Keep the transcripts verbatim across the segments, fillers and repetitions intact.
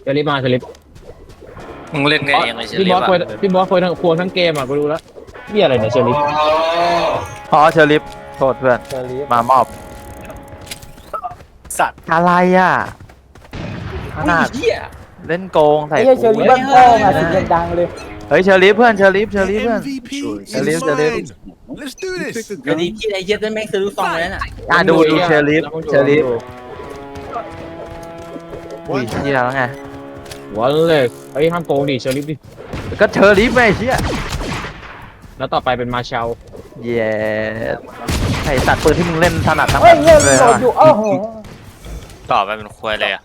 จะรีบมาจะรีบมึงเล่นไงยังไงเชอพี่รี่บอสวะคุยพี่บอสคุยทั้งควงทั้งเกมอ่ะกูรู้แล้วนี่อะไรเนี่ยเชอรี่อ๋อเชอริฟโทษเพื่อนเชอรี่มามอบสัตว์อะไรอ่ะขนาดเหี้ยเล่นโกงใส่ไอ้เหี้ยเชอรี่บ้านพ่อมาเสียงดังเลยเฮ้ยเชอริฟเพื่อนเชอริฟเชอริฟเพื่อนเอ็ม วี พีเชอรี่เชอรี่ Let's do this เดี๋ยวนี้พี่ไอ้เหี้ยนั่นแม่งซื้อลูกซองไปแล้วน่ะอ่ะดูดูเชอริฟเชอริฟอุ้ยเชี่ยแล้วไงวันเลยเฮ้ยห้ามโกงดิเชอรี่ดิก็เชอริฟไงเชี่ยแล้วต่อไปเป็นมาเชลเย้ไอสัตว์ปืนที่มึงเล่นถนัดทั้งเฮ้ยนั้นเหี้ยเลยโดดว่ะอยู่โอ้โหต่อไปเป็นควยเลยอ่ะ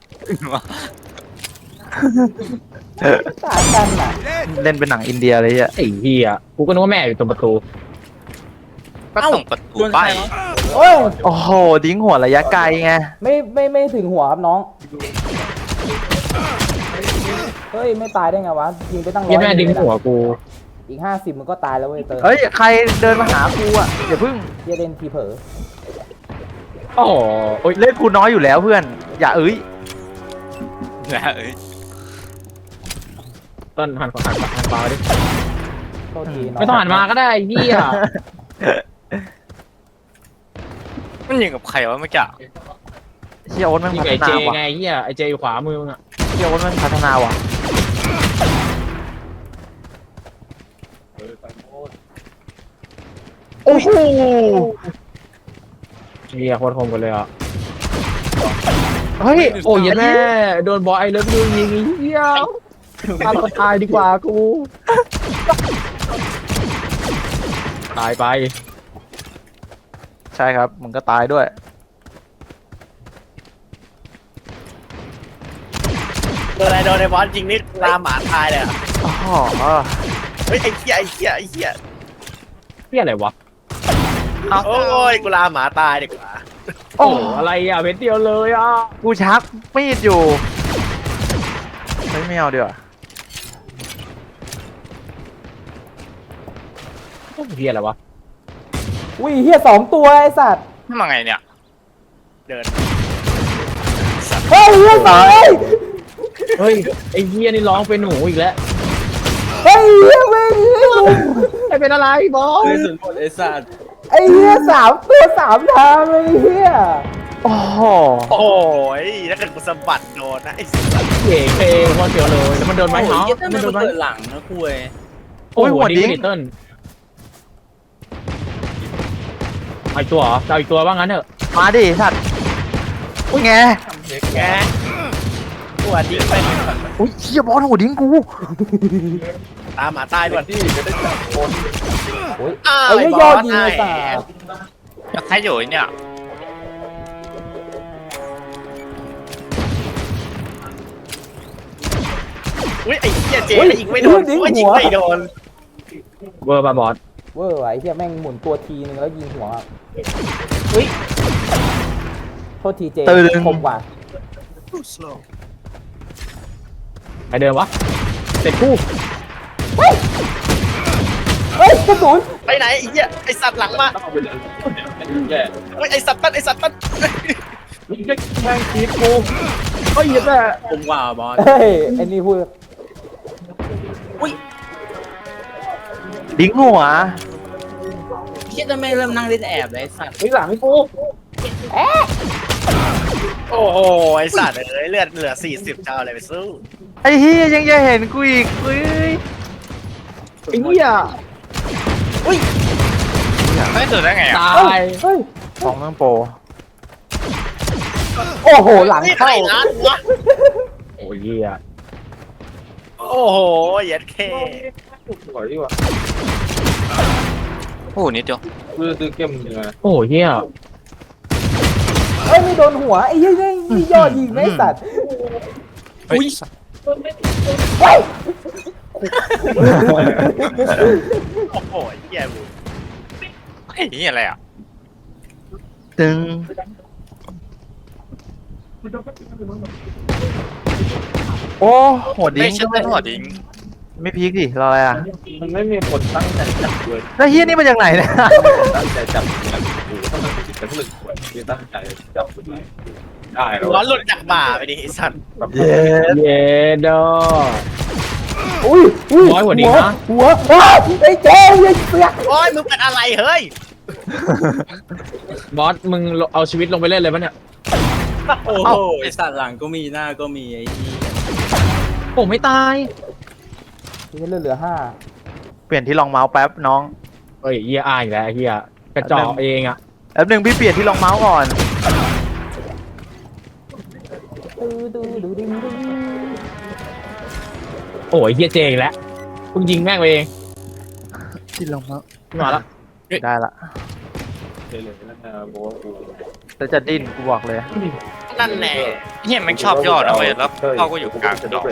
ต่างกันน่ะเล่นเป็นหนังอินเดียเลยเฮียไอ้เหี้ยกูก็นึกว่าแม่อยู่ตรงประตูก็ส่งประตูไปโอ้ยโอ้โหดิ้งหัวระยะไกลไงไม่ไม่ไม่ถึงหัวครับน้องเฮ้ยไม่ตายได้ไงวะยิงไปตั้งร้อยยี่แม่ดึงหัวกูอีกห้าสิบมันก็ตายแล้วเว้ยเติร์เฮ้ยใครเดินมาหากูอ่ะอย่าพึ่งเหี้ยเล่นทีเผลอโอ้โหโอ้ยเล่นกูน้อยอยู่แล้วเพื่อน อย่าเอ้ยนะเอ้ยต้นหันหันหันปลาดิโทษทีน้องไม่ต้องหันมาก็ได้ไอ้เหี้ยมันยิงกับใครวะเมื่อกี้เชี่ยโอ๊ตมันยิงพัฒไอ้เจนาว่ะไงไอ้เหี้ยไอ้เจอยู่ขวามือมึงอ่ะเชี่ยโอ๊ตมันพัฒนาว่ะโอ้โหเหี้ยโคตรคมกันเลยอ่ะเฮ้ยโอ้ยแม่โดนบอลไอ้เลิฟยูยิงไอ้เหี้ยตายตายดีกว่ากูตายไปใช่ครับมึงก็ตายด้วยโดนอะไรโดนไอ้บอสจริงนี่ลาหมาตายเลยอ่ะอ๋อเฮ้ยไอ้เหี้ยไอ้เหี้ยไอ้เหี้ยเหี้ยอะไรวะโอ้ยกูลาหมาตายดีกว่าโอ้อะไรอ่ะเม็ดเดียวเลยอ่ะกูชักมีดอยู่เฮ้ยไม่เอาดีกว่าเหี้ยอะไรวะอุ้ยเฮียสองตัวไอ้สัตว์ทำไงเนี่ยเดินเฮ้ยเฮียสองเฮ้ยไอ้เหี้ยนี่ร้องเป็นหนูอีกแล้วเฮ้ยเฮียเว้ยไอ้เป็นอะไรบอสเฮ้ยสุดหมดไอ้สัตว์ไอ้เฮียสามตัวสามทางเลยเฮียโอ้โหโอ้ยถ้าเกิดกูสะบัดโดนนะไอ้สัตว์เก๋เพลงวันเดียวเลยแล้วมันโดนไม้เท้าโอ้ยเหี้ยนั่นมัมัน นโดนไม้เกิดหลังนะคุยโอ้ยหัวดิ้งเติ้ลไอตัวเหรอจะเอาอีกตัวบ้างงั้นเถอะมาดิสัตว์อุ้ยไงแกกูอ่ะดิ้งไปอุ้ยเชี่ยบอลหัวดิ้งกูตามหมาตายด้วยที่จะได้จับคนโอ้ยอ้าวไอ้ไอ้เฮียบยออสดยิงไอ้ไอ้สัตว์ใครอยู่เนี่ยอุ้ยไอ้เหี้ยเจยิงไม่โดนโอ้ยยิงไม่โดนเวอร์บาบอสเว้ยไอ้เฮียแม่งหมุนตัวทีนึงแล้วยิงหัวอุ้ยโทษทีเจตื่นคมกว่าใครเดินวะเสร็จกูเฮ้ยกระสุนไปไหนไอ้เหี้ยไอ้สัตว์หลังมาเฮ้ยไอ้สัตว์ตั้นไอ้สัตว์ตั้นแม่งทีกูเฮ้ยแม่ผมว่าบอสเฮ้ยไอ้นี่พูดดิ้งหัวเหี้ยจะไม่เริ่มนั่งเล่นแอบเลยไอ้สัตว์ไอ้หลังกูโอ้โหไอ้สัตว์เอ้ยเลือดเหลือสี่สิบเจ้าอะไรไปสู้ไอ้เฮียยังจะเห็นกูอีกเฮ้ยไอ้เหี้ยไม่ตื่นได้ไงอ่ะตาเฮ้ยยเฮ้ยสองเรื่องโปรโอ้โหหลังนี่เข้าใครร้านวะโอ้ยเหี้ยโอ้โหเย็ดเคโอ้โหนิดเดียวโอ้ยเหี้ยเฮ้ยไม่โดนหัวไอ้เหี้ยนี่ยอดยิงไอ้สัตว์อุ้ยเฮ้ยโอ้โหเหี้ยบูไอ้นี่อะไรอ่ะตึงโอ้หัวดิ้ไม่งใช่เป็นหัวดิ้งไม่พีคดิรออะไรอ่ะมันไม่มีคนตั้งใจจับเลยแล้วเฮียนี่มาจากไหนเนี่ยตั้งใจจับเนี่ยกูถ้ามันผิดกันหนึ่งคนที่ตั้งใจจับคนไหนได้แล้วร้อนหลุดจากบ่าไปดิไอ้สัตว์เย้เย็ดออุ้ยอุ้ยร้อยกว่านี้นะหัวหัวอ้าวไอ้เจ๊ไอ้เสือกโอ้ยมึงเป็นอะไรเฮ้ยบอสมึงเอาชีวิตลงไปเล่นเลยปะเนี่ยโอ้โอ้โหโหไอสัตว์หลังก็มีหน้าก็มีไอ้ที่ผมไม่ตายนี่เหลือเหลือห้าเปลี่ยนที่รองเมาส์แป๊บน้องเฮ้ยเฮียอายอีกแล้วเฮียกระจอกเองอ่ะแป๊บหนึงพี่เปลี่ยนที่รองเมาส์ก่อนดูดูดูดูดูโอ้ยเฮียเจอีกแล้วเพิ่งยิงแม่งไปเองที่รองเมาส์มาแล้วได้ละแต่จะดิ้นกูบอกเลยนั่นแน่เฮียแม่งชอบยอดเอาไว้แล้วเขาก็อยู่กลางดอก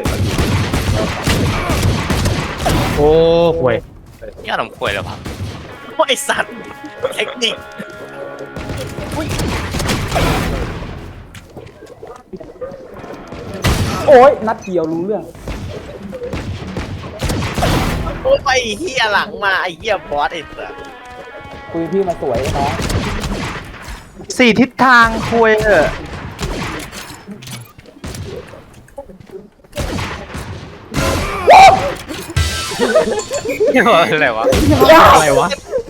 โอ้ห่วยเฮียลำควยแล้วครับโอ้ยไอ้สัตว์เทคนิคโอ้ยนัดเดียวรู้เรื่องโอ้ยไอ้เหี้ยหลังมาไอ้เหี้ยบอสไอ้สัตว์คุยพี่มาสวยนะสี่ทิศทางคุยเถอะอะไรวะอะไรวะ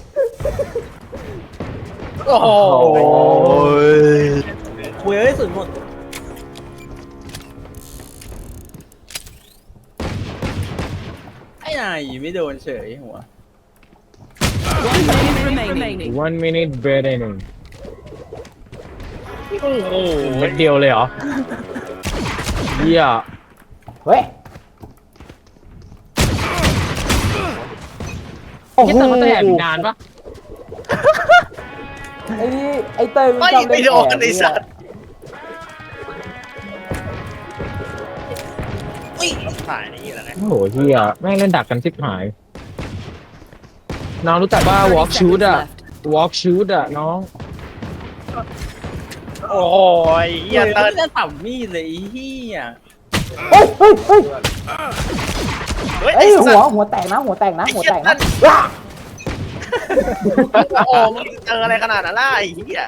โอ้โหโอ้ยเว้ยสุดหมดไอ้นายไม่โดนเฉยหัว One minute remaining. one minute remaining โอ้โหเม็ดเดียวเลยเหรอเฮียเฮ้ยโอ้เฮีโหยแต่มันจะแอบอีกนานปะไอ้นี่ไอ้เตยมันไม่ชอบเล่ไม่นโดนแอบไอ้สัตว์อุ้ยถ่ายนี่แหละนะโอ้โหเฮียแม่งเล่นดักกันชิบหายน้องรู้จักว่า walk shoot อะ walk shoot อะน้องโอ้ยเหี้ยเว้ยเติ้ลจะสับมีดเลยไอ้เหี้ยเฮ้ยเฮ้ยเฮ้ยเฮ้ยไอ้ไอ้ยสัหัวตว์หัวแตกนะหัวแตกนะไอ้หัวเหี้ยแตกเติ้นะลว้าโอ้มึงเจออะไรขนาดนั้นล่ะไอ้เหี้ย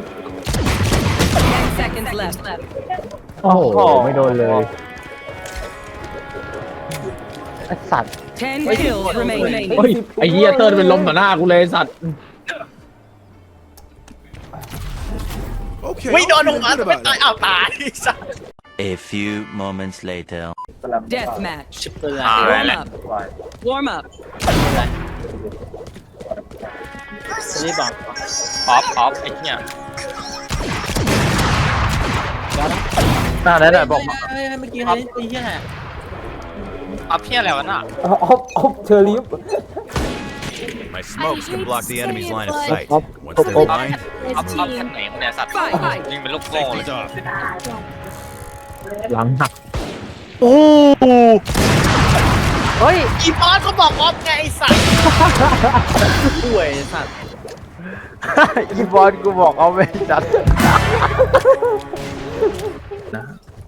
Ten seconds left. โอ้โหไม่โดนเลยไอ้สัตว์ Ten kills remaining. เฮ้ยไอ้เฮียเติ้ลเป็นลมต่อหน้ากูเลยไอ้สัตว์ไม่โดนหัวไม่ตายอ้าวตายไอ้สัตว์ A few moments later. Death match. ชิบเปอร์อ่า Warm แหละ up. Warm up. นี่บอกออฟออฟไอ้เฮียน่าได้แต่บอกมาเฮ้ยเมื่อกี้เฮ้ยไอ้เหี้ยออฟเฮียอะไรวะน่ะออฟออฟเชอร์ลิฟ My smokes can block the enemy's line of sight. Up, Once up, they're up. blind, ออฟออฟแค่ไหนเนี่ยสัตว์ยิงเป็นลูกโม่เลย safety's off. หลังหักโอ้โหเฮ้ยอีบอสก็บอกออฟไงไอ้สัตว์ป่วยสัตว์อีบอลกูบอกเอาไม่จัดนะ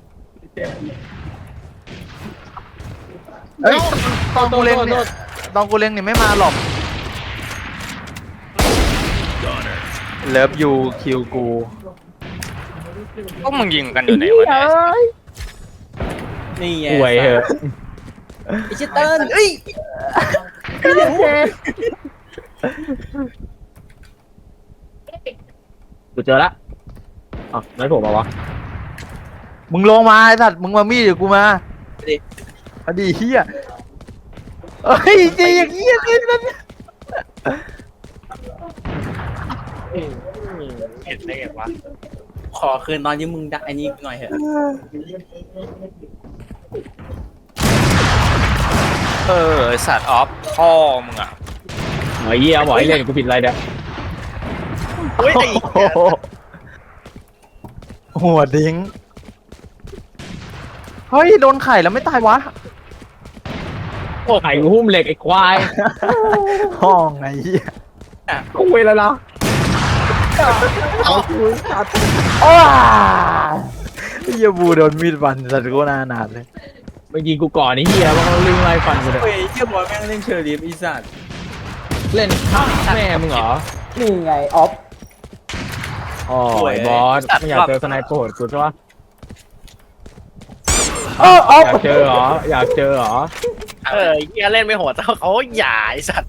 เฮ้ยตอนกูเล่นเนี่ยตอนกูเล่นเนี่ยไม่มาหรอกเลิฟยูคิวกูพวกมึงยิงกันอยู่ไหนวะเนี่ยนี่ไงป่วยเหอะไอ้ชิตเติ้ลเอ้ยกูเจอละอ๋อไม่ผมเอาวะมึงลงมาไอ้สัตว์มึงมามีดเดี๋ยวกูมาอดีเฮียเอ้ยจริงอย่างเงี้ยกินมันเห็นได้ไงวะขอคืนตอนที่มึงดักไอ้นี่หน่อยเถอะเออไอ้สัตว์ออฟพ่อมึงอ่ะหมอเยี่ยหมอให้เล่นกูผิดอะไรเนี่ยเฮ้ยไอ้โอ้โหหัวดิ้งเฮ้ยโดนไข่แล้วไม่ตายวะไข่กูหุ้มเหล็กไอ้ควายห้องไงเหี้ยกูเวแล้วนะอ้าเหี้ยบูโดนมีดฟันสัตว์กูน่าหนาดเลยเมื่อกี้กูก่อนไอ้เหี้ยว่าเขาลิงไล่ฟันกูเลยเฮ้ยเหี้ยบอลแม่งเล่นเชอร์ลีฟอีสัตว์เล่นข้างแม่มึงเหรอนี่ไงออฟอ๋อยบอสไม่อยากเจอสไนเปอร์โหดกูใช่ปะเออเอาอยากเจอเหรออยากเจอเหรอเออไอ้เฮียเล่นไม่โหดเท่าเขาอย่าไอ้สัตว์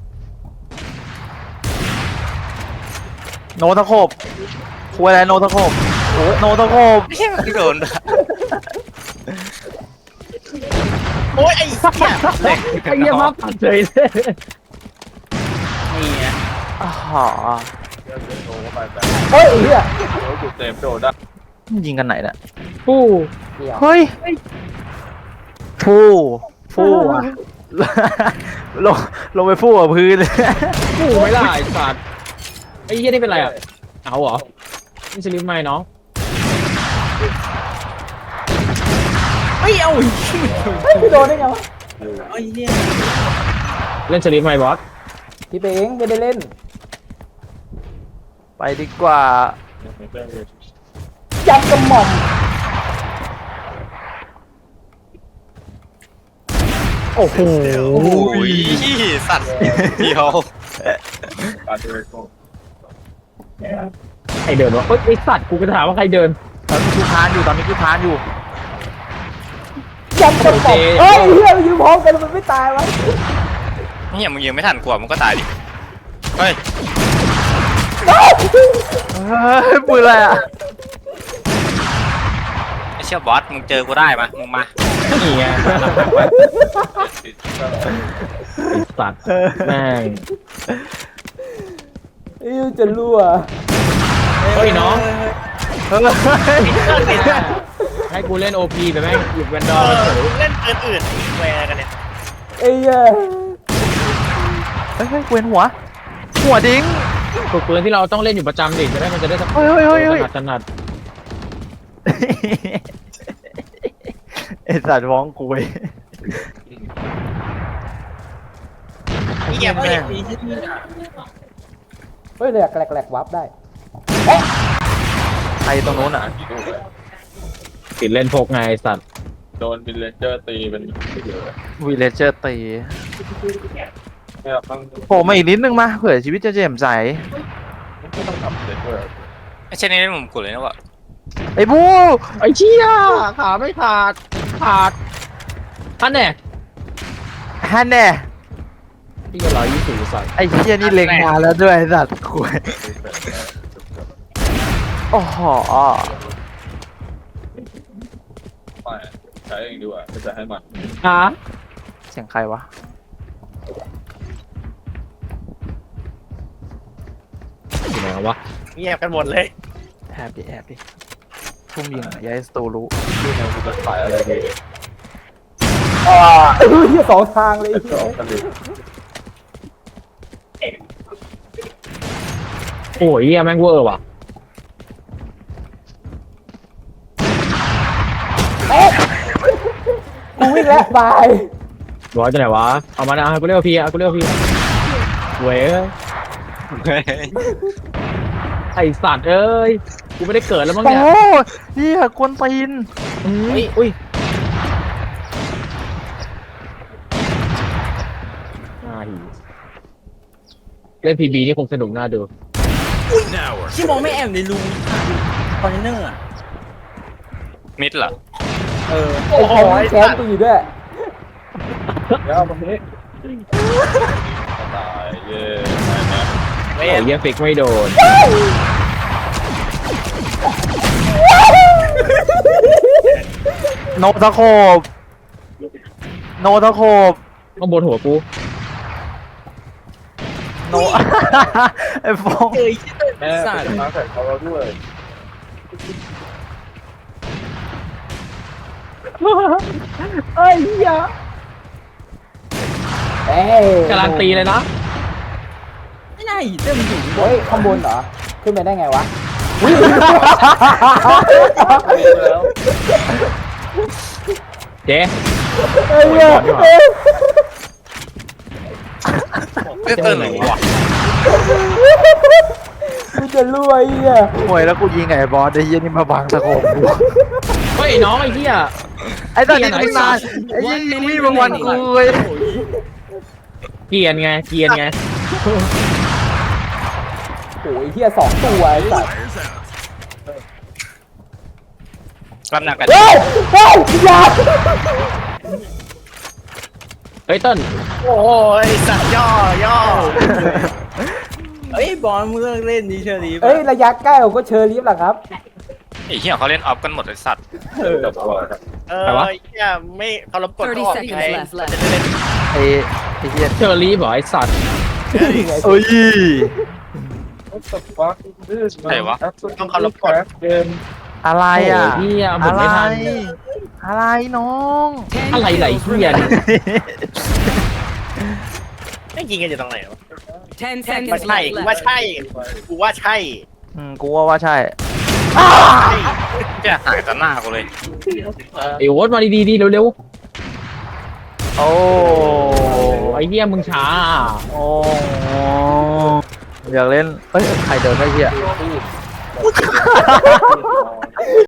โนตะโขบคุยอะไรโนตะโขบโอ้โนตะโขบไม่ใช่ไม่โดนด้วยโอ้ยไอ้เหี้ยไอ้เหี้ยมาปัดเฉยเลยนี่ไงอ๋อเฮ้ยไอ้เหี้ยยิงกันไหนเนี่ยผู้เดี๋ยวเฮ้ยฟู่ฟู่อ่ะ ลงลงไปฟู่กับพื้นผู้ไม่ล่ะไอ้สัตว์ไอ้เหี้ยนี่เป็นไรอ่ะเอาเหรอนี่สลิปไหมน้องเฮ้ยเอาอีกเฮ้ยไม่โดนได้ไงวะไอ้เหี้ยเล่นสลิปไหมบอสพี่เป้งไม่ได้เล่นไปดีกว่าจับกระหม่อมโอ้โหโอ้ยสัตว์เดียวใครเดินวะเอ้ยไอ้สัตว์กูก็ถามว่าใครเดินตอนนี้กูพานอยู่ตอนนี้กูพานอยู่จับกระหม่อมเฮ้ยไอ้เหี้ยมันยืนพร้อมกันมันไม่ตายวะเนี่ยมึงยิงไม่ทันกว่ามึงก็ตายดิเฮ้ยเฮ้ยปืนอะไรอ่ะไอเชี่ยบอสมึงเจอกูได้ปะมึงมานี่ไงมาแล้วหักไว้ไอ้สัตว์แม่งไอ้เหี้ยจะรั่วเฮ้ยน้องเฮ้ยให้กูเล่นโอพีไปแม่งหยิบแวนดอร์มาเฉยเล่นปืนอื่นแวร์กันเนี่ยไอ้เหี้ยเฮ้ยเฮ้ยเวียนหัว หัวดิ้งฝึกปืนที่เราต้องเล่นอยู่ประจำดิจะได้มันจะได้สักเฮ้ยเฮ้ยเฮ้ยเฮ้ยถนัดถนัดไอสัตว์ฟ้องกูเว้ยไอ้เหี้ยไม่ได้เฮ้ยแหลกแหลกแหลกวับได้ใครตรงนู้นอ่ะติดเล่นพกไงไอ้สัตว์โดนบิลเลนเจอร์ตีเป็นไม่เยอะวีเลเจอร์ตีแค่ต้องโผล่มาอีกนิดนึงมาเผื่อชีวิตจะแจ่มใสไม่ต้องทำเลเจอร์ไอเช่นนี้เล่นมุมกูเลยนะวะไอ้บูไอ้เชี่ยขาไม่ขาดขาดท่านแน่ฮันแน่ที่ก็ร้อยยี่สิบสัตว์ไอ้เหี้ยนี่เล็งมาแล้วด้วยไอ้สัตว์คุยโอ้โหไม่ใช้เองดีกว่าไม่จะให้มันฮะเสียงใครวะอยู่ไหนวะเงียบกันหมดเลยแอบดิแอบดิทุ่มยิงอ่ะอยาให้สตูรู้ที่มันจะขายอะไรดีอ่าไอ้เหี้ยสองทางเลยไอ้จะเหี้ยออกกันดีโอ้ยเหี้ยแม่งเวอร์ว่ะเอ๊ะกูวิ่งแล้วบายร้อยจะไหนวะเอามานะเอากูเรียกว่าพี่เอากูเรียกว่าพี่เว้ยไอสัตว์เอ้ยกูไม่ได้เกิดแล้วมั้งโอ้เนี่ยเหี้ยกวนตีนอุ้ยอุ้ยน่าหิวเล่นพีบีนี่คงสนุกน่าดูชิมองไม่แอบในรูคอนเทนเนอร์อะมิดเหรอเออไอ้แคมป์แคมป์กูอยู่ด้วยแล้วตรงนี้ตายเย่ไปนะโอ้ยเหี้ยฟิกไม่โดนโนตะโขบโนตะโขบข้างบนหัวกูโน ไอ้ฟองเอ้ยแม่เป็นมาแข่งเขาเราด้วยเอ้ยเหี้ยเอ้ยการันตีเลยนะไม่น่าอีเต้มันอยู่เฮ้ยข้างบนเหรอ ขึ้นไปได้ไงวะแล้วเจ๊เอ้ยเอ้ยเอ้ยไม่เติมหรอวะกูจะรวยอ่ะหวยแล้วกูยิงไอ้บอสไอ้เหี้ยนี่มาบังตะโขบกูเฮ้ยน้องไอ้เหี้ยไอ้ตอนนี้ไม่นานไอ้เหี้ยยิงมีบางวันกูเว้ยเกรียนไงเกรียนไงโอ้ยเฮียสองตัวไอ้สัสรับหนักกันเฮ้ยเฮ้ยอยาเฮ้ยเต้นโอ้ยสัตว์ย่อย่อเอ้ยบอลมึงเลิกเล่นดิเชอรี่เอ้ยระยะใกล้ผมก็เชอร์ลิฟต์แหละครับไอ้เหี้ยเขาเล่นออฟกันหมดไอ้สัตว์เดี๋ยวก่อนเออเนี่ยไม่เคารพกฎ thirty เขาออก seconds ไง left เราจะได้เล่นไอ้ไอ้เหี้ยเชอรี่บอกไอ้สัตว์เอ้ยต้องเคารพกฎอะไรอ่ะโอ้ยเหี้ยหมอะดไรไม่ทันอะไรน้อง Ten อะไรไหล kills เหี้ย remaining. ไม่ยิงกันอยู่ตรงไหนวะ Ten ว่า seconds ใช่ left. กูว่าใช่กูว่าใช่อืมกูว่าว่าใช่เหี้ยหายต่อหน้ากูเลยไอ้โอ๊ตมาดีๆดีเร็วโอ้ๆไอ้เหี้ยมึงช้าโอ้อยากเล่นเอ้ยใครเดินได้เหี้ย